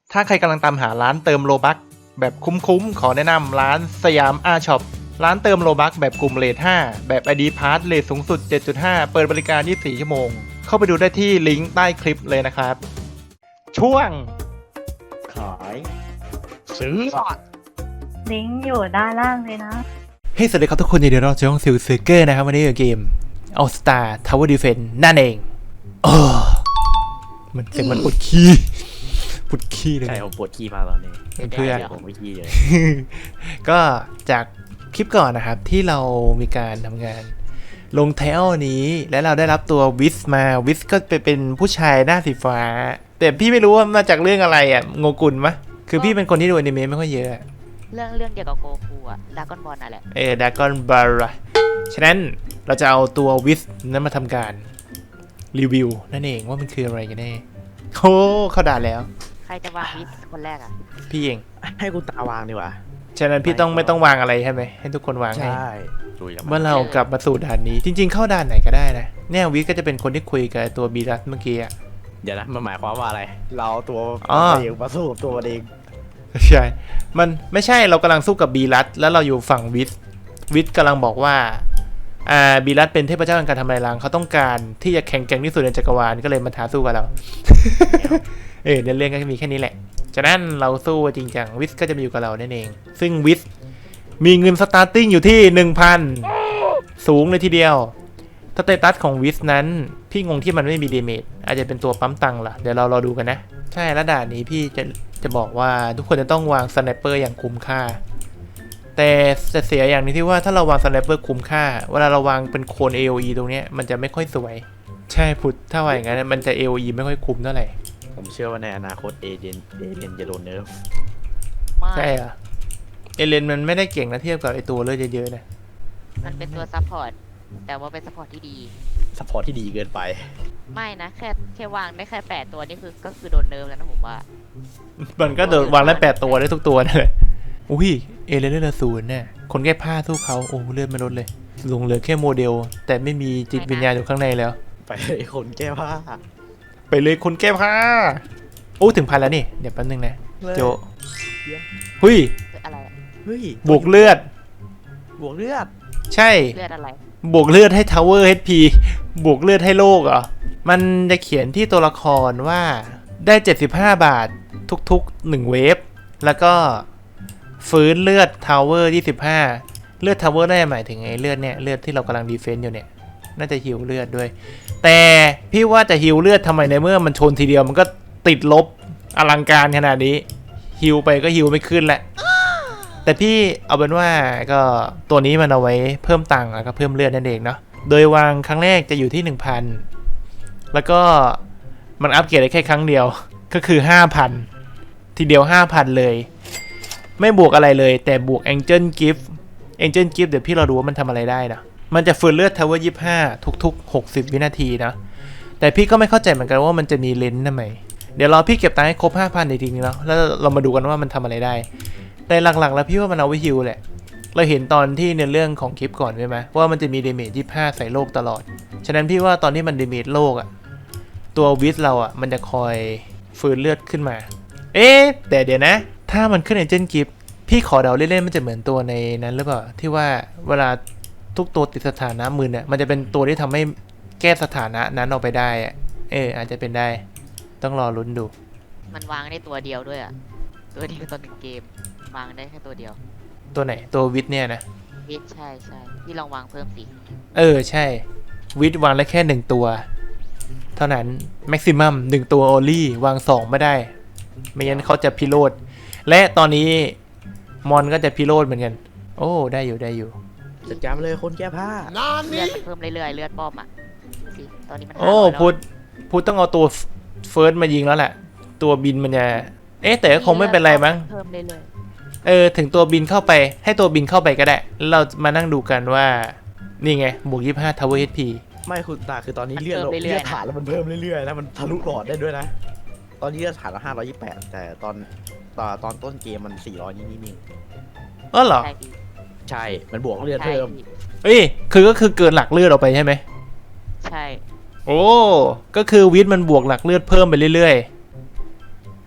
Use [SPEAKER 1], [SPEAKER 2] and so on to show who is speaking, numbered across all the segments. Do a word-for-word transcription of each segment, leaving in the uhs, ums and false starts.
[SPEAKER 1] ถ้าใครกำลังตามหาร้านเติมโลบัคแบบคุ้มๆขอแนะนำร้านสยามอาช็อปร้านเติมโลบัคแบบกลุ่มเรทห้าแบบ ไอ ดี Pass เรทสูงสุด เจ็ดจุดห้า เปิดบริการยี่สิบสี่ชั่วโมงเข้าไปดูได้ที่ลิงก์ใต้คลิปเลยนะครับช่วง
[SPEAKER 2] ขาย
[SPEAKER 1] ซื้อ
[SPEAKER 3] ลิงก์อยู่ด้านล่างเลยนะ
[SPEAKER 1] เฮ้ยสวัสดีครับทุกคนยินดีต้อนรับสู่ช่องซิลเซอร์เกอร์นะครับวันนี้อยู่เกม All Star Tower Defense นั่นเองโอ้มันเสียงมันปวดขี้ปวดขี้เลย
[SPEAKER 2] ใช่ผมปวดขี้มากตอนนี้
[SPEAKER 1] เพื่อน
[SPEAKER 2] ผมไม่ขี้เลย
[SPEAKER 1] ก็จากคลิปก่อนนะครับที่เรามีการทำงานลงเทลนี้และเราได้รับตัววิสมาวิสก็ไปเป็นผู้ชายหน้าสีฟ้าแต่พี่ไม่รู้ว่ามาจากเรื่องอะไรอ่ะโงกุลมะคือพี่เป็นคนที่ดูอนิเมะไม่ค่อยเยอะ
[SPEAKER 4] เรื่องเรื่องเกี่ยวกับโกคูอะดากอนบอลนั่นแหละ
[SPEAKER 1] เออดากอนบาร์ฉะนั้นเราจะเอาตัววิสนั้นมาทำการรีวิวนั่นเองว่ามันคืออะไรกันแน่โอ้เข้าด่านแล้ว
[SPEAKER 4] ใครจะวางวิสคนแรกอะ
[SPEAKER 1] พี่เอง
[SPEAKER 2] ให้คุณตาวางดีกว่า
[SPEAKER 1] ฉะนั้นพี่ต้องไม่ต้องวางอะไรใช่ไหมให้ทุกคนวางให้
[SPEAKER 2] ใช่ดูอย่าง
[SPEAKER 1] เมื่อเรากลับมาสู่ด่านนี้จริงๆเข้าด่านไหนก็ได้นะเนี่ยวิสก็จะเป็นคนที่คุยกับตัวบีรัสเมื่อกี้อ่ะ
[SPEAKER 2] เดี๋ยวนะมันหมายความว่าอะไร เราตัว
[SPEAKER 1] อ๋อ
[SPEAKER 2] เองมาสู้กับตัวมันเอง
[SPEAKER 1] ใช่มันไม่ใช่เรากำลังสู้กับบีรัสแล้วเราอยู่ฝั่งวิสวิสกำลังบอกว่าอ่าบีรัสเป็นเทพเจ้าแห่งการทำลายล้างเขาต้องการที่จะแข่งแกร่งที่สุดในจักรวาลก็เลยมาท้าสู้กับเรา เออในเรื่องก็มีแค่นี้แหละฉะนั้นเราสู้จริงจังวิสก็จะมาอยู่กับเรานั่นเองซึ่งวิสมีเงินสตาร์ติ้งอยู่ที่ หนึ่งพัน สูงเลยทีเดียวสเตตัสของวิสนั้นพี่งงที่มันไม่มีเดเมจอาจจะเป็นตัวปั๊มตังค์ล่ะเดี๋ยวเรารอดูกันนะใช่แล้วด่านนี้พี่จะจะบอกว่าทุกคนจะต้องวางสไนเปอร์อย่างคุ้มค่าแต่จะเสียอย่างนี้ที่ว่าถ้าเราวางสไนเปอร์คุ้มค่าเวลาเราวางเป็นโคน เอ โอ อี ตรงเนี้ยมันจะไม่ค่อยสวยใช่พุทธถ้าว่าอย่างนั้นมันจะ เอ โอ อี ไม่ค่อยคุ้มเท่าไหร่
[SPEAKER 2] ผมเชื่อว่าในอนาคตเอเดนเอเดนจะโดนเนิร์ฟ
[SPEAKER 4] ไม่
[SPEAKER 1] ใช่เหรอเอเลนมันไม่ได้เก่งนะเทียบกับไอตัวเลือดเยอะๆนะ
[SPEAKER 4] มันเป็นตัวซัพพอร์ตแต่ว่าเป็นซัพพอร์ตที่ดี
[SPEAKER 2] สปอร์ตที่ดีเกินไป
[SPEAKER 4] ไม่นะแค่แค่วางได้แค่แปดตัวนี่คือก็คือโดนเนิร์ฟแล้วนะผมว่า
[SPEAKER 1] มันก็โดดวางได้แปดตัวได้ทุกตัวนั่นแหละอุ้ยเอเลนเลือดศูนย์เนี่ยคนแก้ผ้าสู้เขาโอ้เลือดไม่ลดเลยลงเหลือแค่โมเดล แต่ไม่มีจิตวิญญาณอยู่ข้างในแล้ว
[SPEAKER 2] ไปคนแก้ผ้า
[SPEAKER 1] ไปเลยคนแก้ผ้าโอ้ถึงพันแล้วนี่เดี๋ยวแป๊บนึงนะโจหุย
[SPEAKER 4] อะไรอะ
[SPEAKER 2] เฮ้ย
[SPEAKER 1] บวกเลือด
[SPEAKER 2] บวกเลือด
[SPEAKER 1] ใช่
[SPEAKER 4] เลือดอะไร
[SPEAKER 1] บวกเลือดให้ Tower เอช พี บวกเลือดให้โลกเหรอมันจะเขียนที่ตัวละครว่าได้เจ็ดสิบห้าบาททุกๆหนึ่งเวฟแล้วก็ฟื้นเลือด Tower ยี่สิบห้าเลือด Tower ได้หมายถึงไอ้เลือดเนี่ยเลือดที่เรากำลังดีเฟนต์อยู่เนี่ยน่าจะฮิวเลือดด้วยแต่พี่ว่าจะฮิวเลือดทำไมในเมื่อมันชนทีเดียวมันก็ติดลบอลังการขนาดนี้ฮิวไปก็ฮิวไม่ขึ้นแหละแต่พี่เอาเป็นว่าก็ตัวนี้มันเอาไว้เพิ่มตังค์แล้วก็เพิ่มเลือดนั่นเองเนาะโดยวางครั้งแรกจะอยู่ที่ หนึ่งพัน แล้วก็มันอัปเกรดได้แค่ครั้งเดียวก็คือ ห้าพัน ทีเดียว ห้าพัน เลยไม่บวกอะไรเลยแต่บวก Angel Gift Angel Gift เดี๋ยวพี่เราดูว่ามันทำอะไรได้นะมันจะฟื้นเลือด Tower ยี่สิบห้าทุกๆหกสิบวินาทีนะแต่พี่ก็ไม่เข้าใจเหมือนกันว่ามันจะมีเลนส์ทำไมเดี๋ยวรอพี่เก็บตังค์ให้ครบ ห้าพัน จริงๆเนาะแล้วเรามาดูกันว่ามันทำอะไรได้แต่หลักๆแล้วพี่ว่ามันเอาไว้ฮิลแหละเราเห็นตอนที่ในเรื่องของคลิปก่อนใช่ไหมว่ามันจะมีเดเมจยี่สิบห้าใส่โลกตลอดฉะนั้นพี่ว่าตอนที่มันเดเมจโลกอะตัววิสเราอะมันจะคอยฟื้นเลือดขึ้นมาเอ๊ะแต่เดี๋ยวนะถ้ามันขึ้น Angel Gift พี่ขอเดาเล่นๆมันจะเหมือนตัวในนั้นหรือเปล่าที่ว่าเวลาทุกตัวติดสถานะมือเนี่ยมันจะเป็นตัวที่ทำให้แก้สถานะนั้นออกไปได้อะเอออาจจะเป็นได้ต้องรอลุ้นดู
[SPEAKER 4] มันวางได้ตัวเดียวด้วยอะตัวเดียวตอนหนึ่งเกมวางได้แค่ตัวเดียว
[SPEAKER 1] ตัวไหนตัววิทเนี่ยนะ
[SPEAKER 4] วิสใช่ใช่พี่ลองวางเพิ่มสิ
[SPEAKER 1] เออใช่วิทวางได้แค่หนึ่งตัวเท่านั้นแม็กซิมัมหนึ่งตัวโอลี่วางสองไม่ได้ไม่งั้นเขาจะพิโรธและตอนนี้มอนก็จะพิโรธเหมือนกันโอ้ได้อยู่ได้อยู่
[SPEAKER 2] จัดการมาเลยคนแก้ผ้า
[SPEAKER 4] เลือดมันเพิ่มเรื่อยๆเลือดป้อมอะสิตอนนี้มัน
[SPEAKER 1] โอ้
[SPEAKER 4] ห้าร้ยแล้ว
[SPEAKER 1] พุทธพุทธต้องเอาตัวเฟิร์สมายิงแล้วแหละตัวบินมันจะเอ๊ะแต่ก็คงไม่เป็นไรมั้ง
[SPEAKER 4] เพิ่มเรื่อย
[SPEAKER 1] เออถึงตัวบินเข้าไปให้ตัวบินเข้าไปก็ได้แล้วเรามานั่งดูกันว่านี่ไงบวกยี่สิบห้า Tower เอช พี
[SPEAKER 2] ไม่คุณตาคือตอนนี้เลือดเราเลือดฐานแล้วมันเพิ่มเรื่อยๆแล้วมันทะลุหลอดได้ด้วยนะตอนนี้เลือดฐานละห้าร้อยยี่สิบแปดแต่ตอนตอนตอนต้นเกมมันสี่ร้อยนิดๆ
[SPEAKER 1] เออเหรอ
[SPEAKER 4] ใช่พี่
[SPEAKER 2] ใช่ มันบวกเลือด
[SPEAKER 4] ใช่
[SPEAKER 2] เพิ่ม
[SPEAKER 4] พี่
[SPEAKER 1] เอ้ยคือก็คือเกินหลักเลือดออกไปใช่ไหม
[SPEAKER 4] ใช่
[SPEAKER 1] โอ้ก็คือวิทย์มันบวกหลักเลือดเพิ่มไปเรื่อย
[SPEAKER 2] ใช่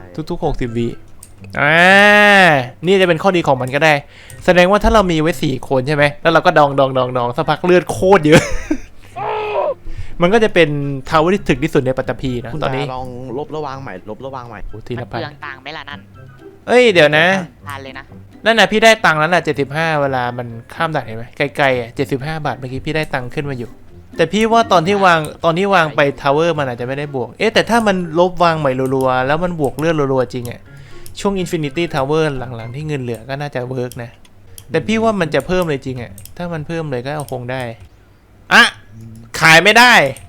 [SPEAKER 1] ทุกๆหกสิบวิอ่านี่จะเป็นข้อดีของมันก็ได้ แสดงว่าถ้าเรามีไว้สี่คนใช่ไหมแล้วเราก็ดองดองดองดองสักพักเลือดโคตรเยอะ มันก็จะเป็นทาวเวอร์ที่ถึกที่สุดในปัตตภีนะ
[SPEAKER 2] คุณ
[SPEAKER 1] ตอนนี้
[SPEAKER 2] ลองลบระวางใหม่ลบระวางใหม่
[SPEAKER 1] โอ้ที
[SPEAKER 4] มั
[SPEAKER 1] ละ
[SPEAKER 4] น
[SPEAKER 1] พัน
[SPEAKER 4] เปลืองตังค์ไหมล่ะนั่น
[SPEAKER 1] เอ้ยเดี๋ยวนะ
[SPEAKER 4] ทานเลยนะ
[SPEAKER 1] นั่นน่ะพี่ได้ตังค์แล้วน่ะเจ็ดสิบห้าเวลามันข้ามด่านเห็นไหมไกลๆอ่ะเจ็ดสิบห้าบาทเมื่อกี้พี่ได้ตังค์ขึ้นมาอยู่ แต่พี่ว่าตอนที่วางตอนที่วางไปทาวเวอร์มันอาจจะไม่ได้บวกเอ๊ะแต่ถ้ามันลบวางใหม่รัวๆแล้วมันบวกเลือดรัวๆจริงอ่ะช่วง Infinity Tower หลังๆที่เงินเหลือก็น่าจะเวิร์กนะแต่พี่ว่ามันจะเพิ่มเลยจริงอ่ะถ้ามันเพิ่มเลยก็เอาคงได้อะขายไม่ได้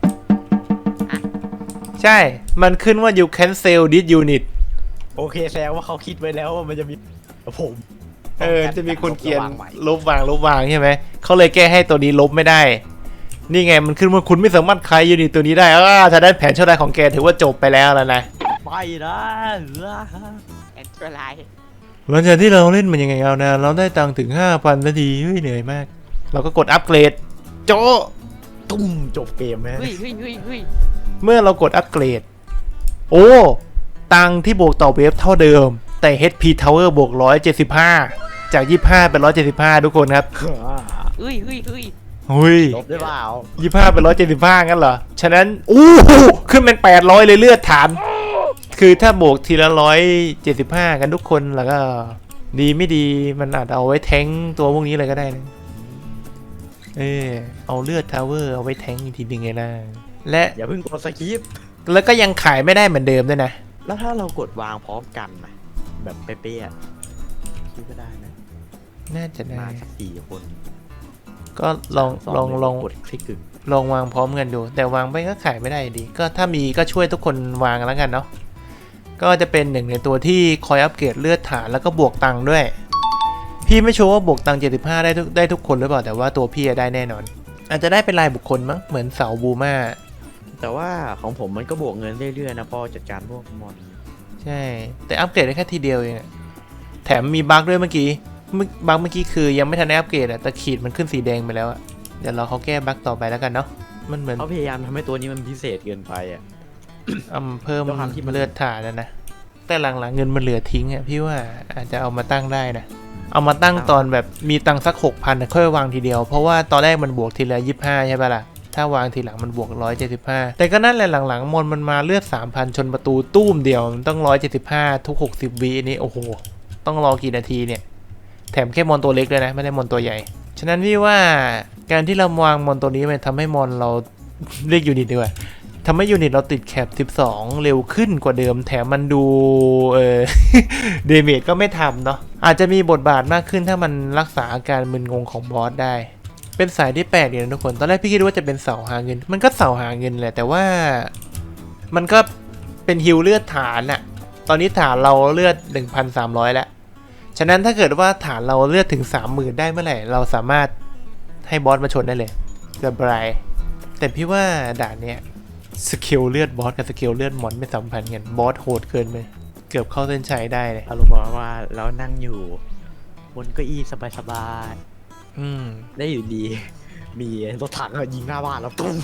[SPEAKER 1] ใช่ มันขึ้นว่า you cancel this unit
[SPEAKER 2] โอเคแสดงว่าเขาคิดไว้แล้วว่ามันจะมีผม
[SPEAKER 1] เออ จะมีคนเขียน
[SPEAKER 2] ลบระวางใหม่
[SPEAKER 1] ลบวางลบวางใช่ไหม เขาเลยแก้ให้ตัวนี้ลบไม่ได้ นี่ไงมันขึ้นว่าคุณไม่สามารถขายยูนิตตัวนี้ได้อ่าถ้าได้แผนชั่วร้ายของแกถือว่าจบไปแล้วแล้วนะ
[SPEAKER 2] ไปนะ
[SPEAKER 4] แอนเทอร์ไลน์
[SPEAKER 1] หลังจากที่เราเล่นมันยังไงเอานะเราได้ตังค์ถึง ห้าพัน นาทีเฮ้ยเหนื่อยมาก เราก็กดอัปเกรด โจ
[SPEAKER 2] ตุ้มจบเกมไหม
[SPEAKER 4] เฮ้ยเฮ้ยเฮ้ยเฮ้ย
[SPEAKER 1] เมื่อเรากดอัปเกรด โอ้ ตังค์ที่บวกต่อเวฟเท่าเดิม แต่ เอช พี Tower บวกหนึ่งร้อยเจ็ดสิบห้า จาก ยี่สิบห้า เป็น หนึ่งร้อยเจ็ดสิบห้า ทุกคนครับ
[SPEAKER 4] เฮ้ยเฮ้ยเฮ้ย
[SPEAKER 1] หุย
[SPEAKER 2] ลบได้เปล่า
[SPEAKER 1] ยี่สิบห้าเป็น หนึ่งร้อยเจ็ดสิบห้า งั้นเหรอ ฉะนั้น อู้หูขึ้นเป็น แปดร้อย เลยเลือดฐาน คือถ้าบวกทีละ หนึ่งร้อยเจ็ดสิบห้า กันทุกคนแล้วก็ ดีไม่ดีมันอาจเอาไว้แทงตัวพวกนี้เลยก็ได้นะ เออเอาเลือดทาวเวอร์เอาไว้แทงอีกทีหนึงไงล่ะ และ
[SPEAKER 2] อย่าเพิ่งกดสกิป
[SPEAKER 1] แล้วก็ยังขายไม่ได้เหมือนเดิมด้วยนะ
[SPEAKER 2] แล้วถ้าเรากดวางพร้อมกันนะแบบเป๊ะๆอะคิดก็ได้นะ
[SPEAKER 1] น่าจะได้
[SPEAKER 2] มาสักสี่คน
[SPEAKER 1] ก็ลอง
[SPEAKER 2] ส
[SPEAKER 1] ลอง
[SPEAKER 2] เลย
[SPEAKER 1] ลอง
[SPEAKER 2] กดคลิกกึ่ง
[SPEAKER 1] ลองวางพร้อมกันดู แต่วางไปก็ขายไม่ได้อยู่ดี ก็ถ้ามีก็ช่วยทุกคนวางแล้วกันเนาะก็จะเป็นหนึ่งในตัวที่คอยอัปเกรดเลือดฐานแล้วก็บวกตังค์ด้วย พี่ไม่ชัวร์ว่าบวกตังค์เจ็ดสิบห้าได้ทุกได้ทุกคนหรือเปล่าแต่ว่าตัวพี่อะได้แน่นอน อาจจะได้เป็นรายบุคคลมั้งเหมือนเสาบูมา
[SPEAKER 2] แต่ว่าของผมมันก็บวกเงินเรื่อยๆนะพอจัดการพวกมอน
[SPEAKER 1] ใช่ แต่อัปเกรดได้แค่ทีเดียวเองอะแถมมีบั๊กด้วยเมื่อกี้เมื่อบั๊กเมื่อกี้คือยังไม่ทันได้อัปเกรดอะแต่ขีดมันขึ้นสีแดงไปแล้วอะเดี๋ยวเราเขาแก้บั๊กต่อไปแล้วกันเนาะมันเหมือน
[SPEAKER 2] เขาพยายามทำให้ตัวนี้มันพิเศษเกินไปอ่ะ
[SPEAKER 1] อำเพิ่ม
[SPEAKER 2] ด้วยความที่มัน
[SPEAKER 1] เลือดฐานนะนะแต่หลังๆเงินมันเหลือทิ้งอะพี่ว่าอาจจะเอามาตั้งได้นะเอามาตั้งตอนแบบมีตังค์สักหกพันค่อยวางทีเดียวเพราะว่าตอนแรกมันบวกทีละยี่สิบห้าใช่ปะล่ะถ้าวางทีหลังมันบวกร้อยเจ็ดสิบห้าแต่ก็นั่นแหละหลังๆมอนมันมาเลือดสามพันชนประตูตุ้มเดียวมันต้องร้อยเจ็ดสิบห้าทุกหกสิบวินี่โอ้โหต้องรอกี่นาทีเนี่ยแถมแค่มอนตัวเล็กเลยนะไม่ได้มอนตัวใหญ่ฉะนั้นพี่ว่าการที่เราวางมอนตัวนี้มันทำให้มอนเรา เรียกยูนิตดีกว่าทำให้ยูนิตเราติดแคปสิบสองเร็วขึ้นกว่าเดิมแถมมันดูเออ เดเมจก็ไม่ทำเนาะอาจจะมีบทบาทมากขึ้นถ้ามันรักษาอาการมึนงงของบอสได้เป็นสายที่แปลกดีนะทุกคนตอนแรกพี่คิดว่าจะเป็นเสาหาเงินมันก็เสาหาเงินแหละแต่ว่ามันก็เป็นฮิลเลือดฐานอะตอนนี้ฐานเราเลือด หนึ่งพันสามร้อย แล้วฉะนั้นถ้าเกิดว่าฐานเราเลือดถึง สามหมื่น ได้เมื่อไหร่เราสามารถให้บอสมาชนได้เลยสบายแต่พี่ว่าด่านเนี้ยสกิลเลือดบอสกับสกิลเลือดมอนไม่สัมพันธ์กันบอสโหดเกินไปเกือบเข้าเส้นชัยได้เลย
[SPEAKER 2] อารมณ์ประมาณว่าเรานั่งอยู่บนเก้าอี้สบาย
[SPEAKER 1] อืม
[SPEAKER 2] ๆได้อยู่ดี มีรถถังอะยิงหน้าบ้านแล้วตุ้ม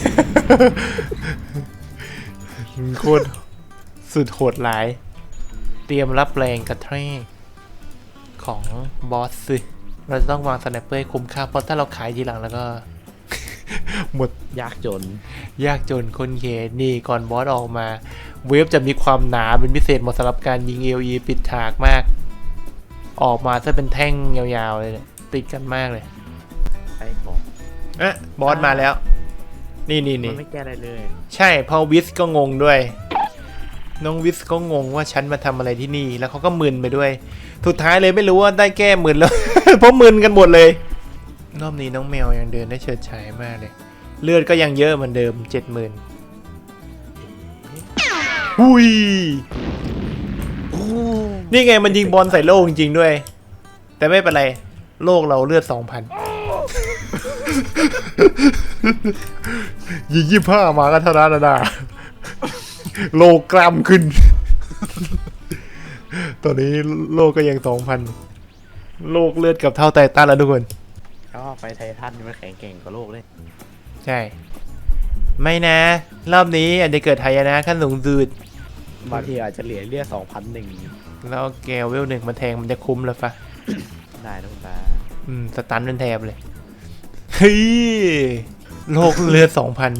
[SPEAKER 1] โคตรสุดโหดร้าย เตรียมรับแรงกระแทกของบอสสิเราจะต้องวางสไนเปอร์ให้คุ้มค่าเพราะถ้าเราขายทีหลังแล้วก็ หมด
[SPEAKER 2] ยากจน
[SPEAKER 1] ยากจนคนเขตนี่ก่อนบอสออกมา เวฟจะมีความหนาเป็นพิเศษเหมาะสำหรับการยิง เอ อี ปิดฉากมาก ออกมาจะเป็นแท่งยาวๆเลยเนี่ยติดกันมากเลย
[SPEAKER 2] ใช่ของ
[SPEAKER 1] อ่ะบอสมาแล้ว นี่นี่
[SPEAKER 2] มั
[SPEAKER 1] นี่
[SPEAKER 2] นไม่แก้อะไรเลย
[SPEAKER 1] ใช่เพอวิสก็งงด้วย น้องวิสก็งงว่าฉันมาทำอะไรที่นี่ แล้วเขาก็มึนไปด้วย สุดท้ายเลยไม่รู้ว่าได้แก้มึนแล้ว เพราะมึนกันหมดเลยรอบนี้น้องแมวยังเดินได้เฉิดฉายมากเลย เลือดก็ยังเยอะเหมือนเดิมเจ็ดหมื่นอุ้ยนี่ไงมันยิงบอลใส่โลกจริงๆด้วย แต่ไม่เป็นไร โลกเราเลือดสองพัน ยิงยี่ห้ามาก็เท่านั้นนะโลกรัมขึ้น ตอนนี้โลกก็ยังสองพัน โลกเลือดกับเท่าไททันแล้วทุกคน
[SPEAKER 2] ก็ไปไททันมันแข็งเก่งกว่าโลกเลย
[SPEAKER 1] ใช่ ไม่นะ รอบนี้อาจจะเกิดหายนะขั้นสูงสุด
[SPEAKER 2] บางทีอาจจะเหลือเลือดสองพันหนึ่ง
[SPEAKER 1] แล้วแกวเวลหนึ่งมันแทงมันจะคุ้มแล้วปะ
[SPEAKER 2] ได้นะคุณตา
[SPEAKER 1] อืมสตันเป็นแทบเลย เฮ้ย โลกเลือดสองพัน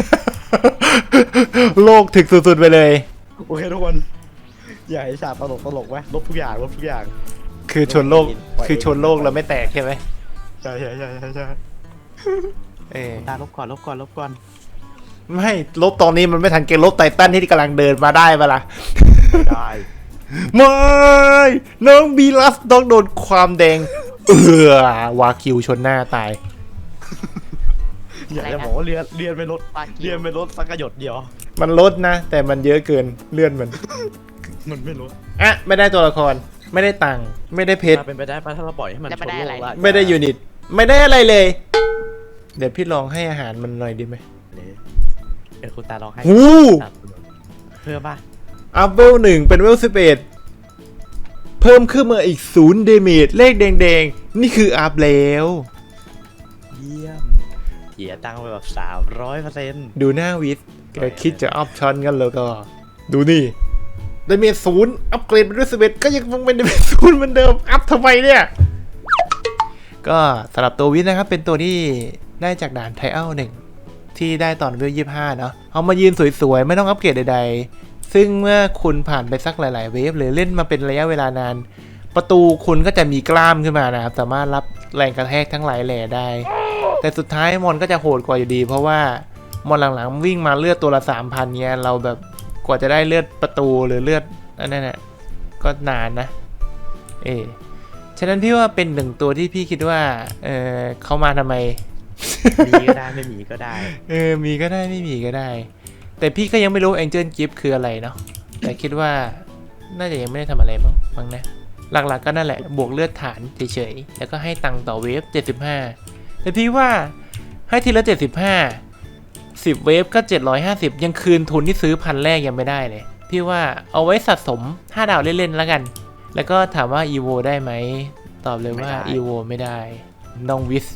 [SPEAKER 1] โลกถึกสุดๆไปเลย
[SPEAKER 2] โอเคทุกคนอย่าให้ฉากตลกตลกไหมลบทุกอย่างลบทุกอย่าง
[SPEAKER 1] คือชนโลก คือชนโลกเราไม่แตกใช่ไหม
[SPEAKER 2] ใช่ใช่ใช่ใช่ใช่
[SPEAKER 1] เออ
[SPEAKER 2] ตาลบก่อนลบก่อนลบก่อน
[SPEAKER 1] ไม่ลบตอนนี้มันไม่ทันเกมลบไททันที่กำลังเดินมาได้ปะล่ะ
[SPEAKER 2] ไม่ได้
[SPEAKER 1] ไม่น้องบีลัสต้องโดนความแดง เออวาคิวชนหน้าตาย
[SPEAKER 2] อยากจะบอกว่าเรียนเรียนไม่ลด
[SPEAKER 4] วากิว
[SPEAKER 2] เรียนไม่ลดสักกระหยดเดียว
[SPEAKER 1] มันลดนะ แต่มันเยอะเกินเลื่อนมัน
[SPEAKER 2] มันไม่ลด
[SPEAKER 1] อ่ะ ไม่ได้ตัวละคร ไม่ได้ตังค์ไม่ได้เพชร
[SPEAKER 2] ถ้าเป็นไปได้ปะถ้าเราปล่อยให้มันชนโลกละ
[SPEAKER 1] ไม่ได้ยูนิต ไม่ได้อะไรเลย เดี๋ยวพี่ลองให้อาหารมันหน่อยดีไหม
[SPEAKER 2] เดี๋ยวคุณตาลองให้
[SPEAKER 1] หู
[SPEAKER 2] เพิ่มป่ะ
[SPEAKER 1] อัพเวลหนึ่งเป็นเวลสิบเอ็ดเพิ่มขึ้นมาอีกศูนย์เดเมจเลขแดงๆ นี่คืออัพแล้ว
[SPEAKER 2] เยี่ยมเกียตังค์ไปแบบสามร้อยเปอร์เซ็นต์
[SPEAKER 1] ดูหน้าวิสแกคิดจะอัพชั้นกันแล้วก็ ดูนี่เดเมจศูนย์อัพเกรดเป็นเวลสิบเอ็ดก็ยังคงเป็นเดเมจศูนย์เหมือนเดิม อัพทำไมเนี่ย ก็สำหรับตัววิสนะครับ เป็นตัวที่ได้จากด่านไทเอลหนึ่งที่ได้ตอนเวลยี่สิบห้าเนาะเอามายืนสวยๆ ไม่ต้องอัปเกรดใดๆ ซึ่งเมื่อคุณผ่านไปสักหลายๆเวฟหรือเล่นมาเป็นระยะเวลานาน ประตูคุณก็จะมีกล้ามขึ้นมานะครับ สามารถรับแรงกระแทกทั้งหลายแหล่ได้ แต่สุดท้ายมอนก็จะโหดกว่าอยู่ดี เพราะว่ามอนหลังๆวิ่งมาเลือดตัวละสามพันเนี้ยเราแบบกว่าจะได้เลือดประตูหรือเลือดอันนั้นน่ะก็นานนะ เออฉะนั้นพี่ว่าเป็นหนึ่งตัวที่พี่คิดว่าเออเขามาทำไม
[SPEAKER 2] มีก็ได้ไม่มีก็ได้
[SPEAKER 1] เออ มีก็ได้ไม่มีก็ได้ แต่พี่ก็ยังไม่รู้ Angel Gift คืออะไรเนาะ แต่คิดว่าน่าจะยังไม่ได้ทำอะไรมั้งมั้งนะ หลักๆก็นั่นแหละ บวกเลือดฐานเฉยๆ แล้วก็ให้ตังค์ต่อเวฟเจ็ดสิบห้า แต่พี่ว่าให้ทีละเจ็ดสิบห้า สิบเวฟก็เจ็ดร้อยห้าสิบยังคืนทุนที่ซื้อพันแรกยังไม่ได้เลย พี่ว่าเอาไว้สะสมห้าดาวเล่นๆแล้วกัน แล้วก็ถามว่า อี โว ได้ไหม ตอบเลยว่า
[SPEAKER 2] ไม่ได้
[SPEAKER 1] อี โว ไม่ได้ น้องวิส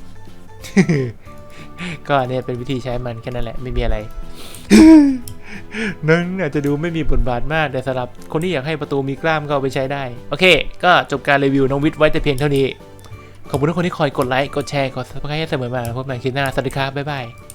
[SPEAKER 1] ก็เนี่ยเป็นวิธีใช้มันแค่นั้นแหละไม่มีอะไร นั่นอาจจะดูไม่มีบทบาทมากแต่สำหรับคนที่อยากให้ประตูมีกล้ามก็เอาไปใช้ได้ โอเค ก็จบการรีวิวน้องวิทย์ไว้แต่เพียงเท่านี้ ขอบคุณทุกคนที่คอยกดไลค์กดแชร์กดซับสไครต์ให้เสมอมาพบกันใหม่คลิปหน้าสวัสดีครับบ๊ายบาย